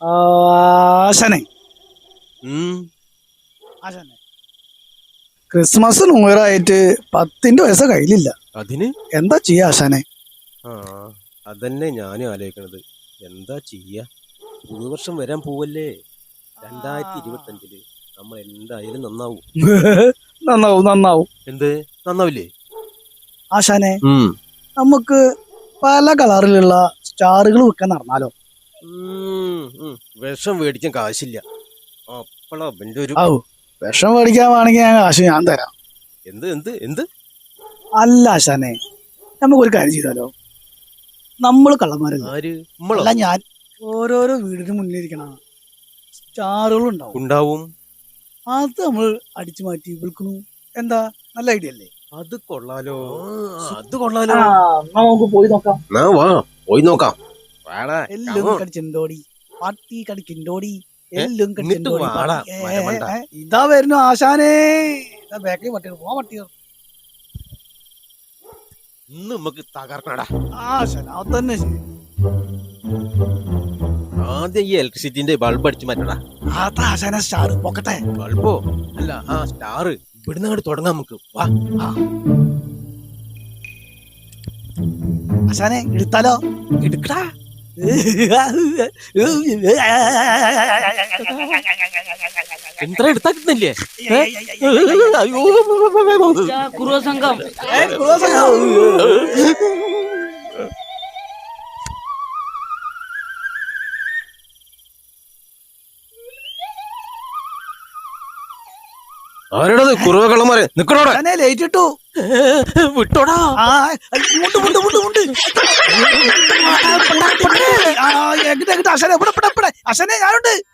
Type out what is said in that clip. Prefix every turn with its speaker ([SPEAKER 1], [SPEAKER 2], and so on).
[SPEAKER 1] ആശാനെ ആശാനെ Christmas new year ആയിട്ട് 10 പൈസ കയ്യിലില്ല.
[SPEAKER 2] അതിന്
[SPEAKER 1] എന്താ ചെയ്യാ ആശാനെ?
[SPEAKER 2] അതന്നെ ഞാനും ആലോചിക്കണത്. എന്താ ചെയ്യാ? പുതുവർഷം വരാൻ പോവല്ലേ. 2025 നമ്മൾ എന്തായാലും നന്നാവും.
[SPEAKER 1] നന്നാവും നന്നാവും.
[SPEAKER 2] എന്ത് നന്നാവില്ലേ
[SPEAKER 1] ആശാനെ? നമുക്ക് പല കളറിലുള്ള സ്റ്റാറുകൾ വെക്കാൻ നടന്നാലോ?
[SPEAKER 2] വിഷം മേടിക്കാൻ കാശില്ല. അപ്പളാ എന്റെ ഒരു
[SPEAKER 1] വിഷം മേടിക്കാൻ വേണമെങ്കിൽ കാശ് ഞാൻ തരാം.
[SPEAKER 2] എന്ത് എന്ത് എന്ത്?
[SPEAKER 1] അല്ല ആശാനെ, നമുക്കൊരു കാര്യം ചെയ്താലോ? നമ്മൾ കള്ളന്മാരല്ല, ഞാൻ ഓരോരോ വീടിന് മുന്നിലിരിക്കണ സ്റ്റാറുകൾ ഉണ്ടാവും. അത് നമ്മൾ അടിച്ചു മാറ്റി വിൽക്കണു. എന്താ നല്ല ഐഡിയ അല്ലേ?
[SPEAKER 2] അത് കൊള്ളാലോ.
[SPEAKER 1] നമുക്ക് പോയി നോക്കാം.
[SPEAKER 2] പോയി നോക്കാം.
[SPEAKER 1] എല്ലും കടിച്ചിണ്ടോടി പാട്ടി കടിക്കിണ്ടോടി എല്ലും കടിച്ചിണ്ടോടി. ഇതാ വരുന്നു ആശാനേ. ബാക്കിൽ പട്ടികൾ പോവാ. പട്ടികൾ
[SPEAKER 2] ഇന്ന് നമുക്ക് തകർക്കണടാ.
[SPEAKER 1] ആശാന അതന്നെ ശരി.
[SPEAKER 2] ആദ്യം ഈ ഇലക്ട്രിസിറ്റിന്റെ ബൾബ് അടിച്ചു മാറ്റടാ.
[SPEAKER 1] അതാ ആശാന സ്റ്റാർ പോക്കട്ടെ.
[SPEAKER 2] ബൾബോ അല്ല, സ്റ്റാർ ഇവിടുന്ന് അങ്ങോട്ട് തുടങ്ങാം നമുക്ക്. വാ.
[SPEAKER 1] ആശാനെ എടുത്താലോ?
[SPEAKER 2] എടുക്കടാ. എന്താ എടുത്താ കിട്ടുന്നില്ലേ?
[SPEAKER 3] കുറുവസംഘം
[SPEAKER 2] ആരോടത്? കുറവ് കള്ളന്മാരെ നിക്കണോടാ.
[SPEAKER 1] ലേറ്റ് ഇട്ടു.
[SPEAKER 2] വിട്ടോടാ.
[SPEAKER 1] അശനെ ഞാനുണ്ട്.